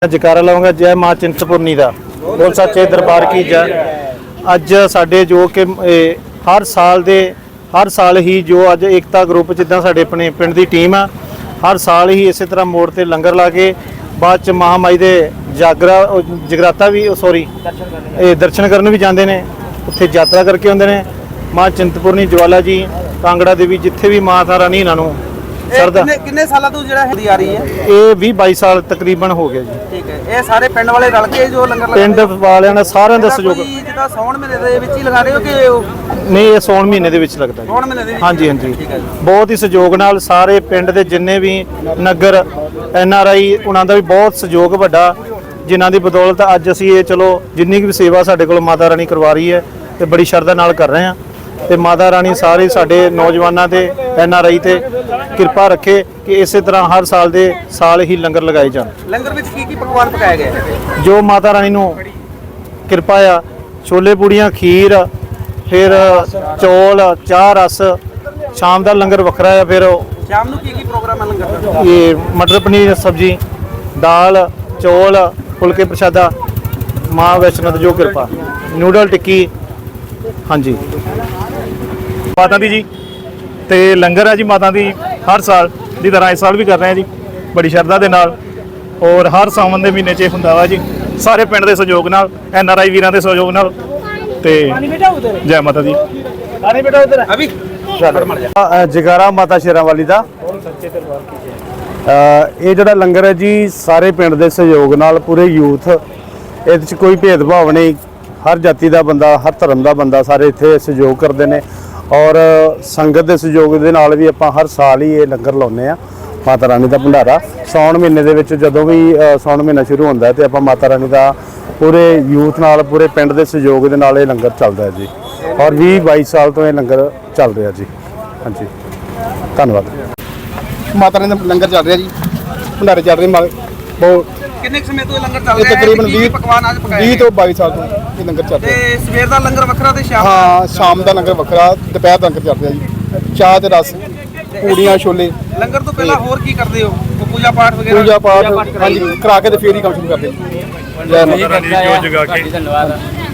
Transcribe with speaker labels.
Speaker 1: जयकारा लाऊंगा जय माँ चिंतपूर्णी का बोल सच्चे दरबार की जय। अज साडे जो कि हर साल ही जो अज एकता ग्रुप जिद्दां साडे अपने पिंड दी टीम आ हर साल ही इस तरह मोड़ ते लंगर ला के बाद च महामाई दे जगराता भी दर्शन करन भी जाते हैं, उत्थे यात्रा करके आते हैं। माँ चिंतपूर्णी ज्वाला जी कांगड़ा देवी जिथे भी माता रानी इन्हों
Speaker 2: सरदा कितने साल तो ਜਿਹੜਾ ਹੁੰਦੀ आ रही है?
Speaker 1: ये 20-22 साल तकरीबन हो गया जी।
Speaker 2: ठीक है, ये सारे पिंड वाले रल के जो लंगर लगाते
Speaker 1: पिंड वालियां ने साਰਿਆਂ ਦਾ ਸਹਿਯੋਗ
Speaker 2: ਜਿੱਦਾਂ ਸੌਣ ਮਹੀਨੇ ਦੇ ਵਿੱਚ ਹੀ ਲਗਾ ਰਹੇ ਹੋ ਕਿ
Speaker 1: नहीं ये सौण महीने ਦੇ ਵਿੱਚ ਲੱਗਦਾ ਜੀ।
Speaker 2: ਸੌਣ ਮਹੀਨੇ ਦੇ ਵਿੱਚ?
Speaker 1: ਹਾਂਜੀ ਹਾਂਜੀ, ਬਹੁਤ ਹੀ ਸਹਿਯੋਗ ਨਾਲ ਸਾਰੇ ਪਿੰਡ ਦੇ ਜਿੰਨੇ ਵੀ ਨਗਰ NRI ਉਹਨਾਂ ਦਾ ਵੀ ਬਹੁਤ ਸਹਿਯੋਗ ਵੱਡਾ, ਜਿਨ੍ਹਾਂ ਦੀ ਬਦੌਲਤ ਅੱਜ ਅਸੀਂ ਇਹ ਚਲੋ ਜਿੰਨੀ ਵੀ ਸੇਵਾ ਸਾਡੇ ਕੋਲ ਮਾਤਾ ਰਾਣੀ ਕਰਵਾ ਰਹੀ ਹੈ ਤੇ ਬੜੀ ਸ਼ਰਧਾ ਨਾਲ ਕਰ ਰਹੇ ਹਾਂ। ਤੇ ਮਾਤਾ ਰਾਣੀ ਸਾਰੇ ਸਾਡੇ ਨੌਜਵਾਨਾਂ ਤੇ NRI ਤੇ ਕਿਰਪਾ ਰੱਖੇ ਕਿ ਇਸੇ ਤਰ੍ਹਾਂ ਹਰ ਸਾਲ ਹੀ ਲੰਗਰ ਲਗਾਏ ਜਾਣ।
Speaker 2: ਲੰਗਰ ਵਿੱਚ ਕੀ ਪਕਵਾਨ ਪਕਾਏ ਗਏ?
Speaker 1: ਜੋ ਮਾਤਾ ਰਾਣੀ ਨੂੰ ਕਿਰਪਾ ਆ, ਛੋਲੇ ਪੂੜੀਆਂ, ਖੀਰ, ਫਿਰ ਚੌਲ, ਚਾਹ, ਰਸ। ਸ਼ਾਮ ਦਾ ਲੰਗਰ ਵੱਖਰਾ ਆ। ਫਿਰ
Speaker 2: ਸ਼ਾਮ ਨੂੰ ਕੀ ਪ੍ਰੋਗਰਾਮ ਹੈ ਲੰਗਰ ਦਾ?
Speaker 1: ਇਹ ਮਟਰ ਪਨੀਰ ਸਬਜ਼ੀ, ਦਾਲ, ਚੌਲ, ਫੁਲਕੇ ਪ੍ਰਸ਼ਾਦਾ, ਮਾਂ ਵੈਸ਼ਨੋ ਦੀ ਜੋ ਕਿਰਪਾ, ਨੂਡਲ ਟਿੱਕੀ। ਹਾਂਜੀ
Speaker 3: माता दी जी ते लंगर है जी माता दी हर साल की तरह इस साल भी कर रहे हैं जी बड़ी श्रद्धा के नाल। और हर सावन के महीने च हुंदा वा जी सारे पिंड के सहयोग नाल, NRI वीरां के सहयोग नाल। ते जय माता दी।
Speaker 1: जगारा माता शेरां वाली दा ये जिहड़ा लंगर है जी सारे पिंड के सहयोग नाल पूरे यूथ, इहदे च कोई भेदभाव नहीं, हर जाति का बंदा, हर धर्म का बंदा सारे इत्थे सहयोग करते हैं। और संगत के सहयोग के नाल भी आपां हर साल ही ये लंगर लाउने आ माता रानी का भंडारा। सौण महीने दे विच जदों भी सौण महीना शुरू होंदा है तो आपां माता रानी का पूरे यूथ नाल पूरे पिंड के सहयोग के नाल ये लंगर चलदा है जी। और 20-22 साल तो ये लंगर चल रहा जी। हाँ जी धन्यवाद।
Speaker 4: माता रानी का लंगर चल रहा जी, भंडारे चल रहे बहुत।
Speaker 2: ਕਿੰਨੇ ਸਮੇਂ ਤੋਂ ਲੰਗਰ ਚੱਲ ਰਿਹਾ ਹੈ?
Speaker 4: तकरीबन
Speaker 2: ਕੀ ਪਕਵਾਨ ਅੱਜ ਪਕਾਏ
Speaker 4: 20 ਤੋਂ 22 ਸਾਲ ਤੋਂ ਇਹ ਲੰਗਰ ਚੱਲ
Speaker 2: ਤੇ
Speaker 4: ਰਿਹਾ।
Speaker 2: ਸਵੇਰ ਦਾ ਲੰਗਰ ਵੱਖਰਾ ਤੇ ਸ਼ਾਮ
Speaker 4: ਹਾਂ ਸ਼ਾਮ ਦਾ ਲੰਗਰ ਵੱਖਰਾ, ਦੁਪਹਿਰ ਦਾ ਲੰਗਰ ਚੱਲ ਰਿਹਾ ਜੀ। ਚਾਹ ਤੇ ਰਸ, ਪੂੜੀਆਂ, ਛੋਲੇ।
Speaker 2: ਲੰਗਰ ਤੋਂ ਪਹਿਲਾਂ ਹੋਰ ਕੀ ਕਰਦੇ ਹੋ? ਕੋਈ ਪੂਜਾ ਪਾਠ ਵਗੈਰਾ?
Speaker 4: ਪੂਜਾ ਪਾਠ ਹਾਂਜੀ ਕਰਾ ਕੇ ਤੇ ਫੇਰ ਹੀ ਕੰਮ ਸ਼ੁਰੂ ਕਰਦੇ ਜੀ। ਜੈ ਮਾਤਾ
Speaker 3: जो जगा के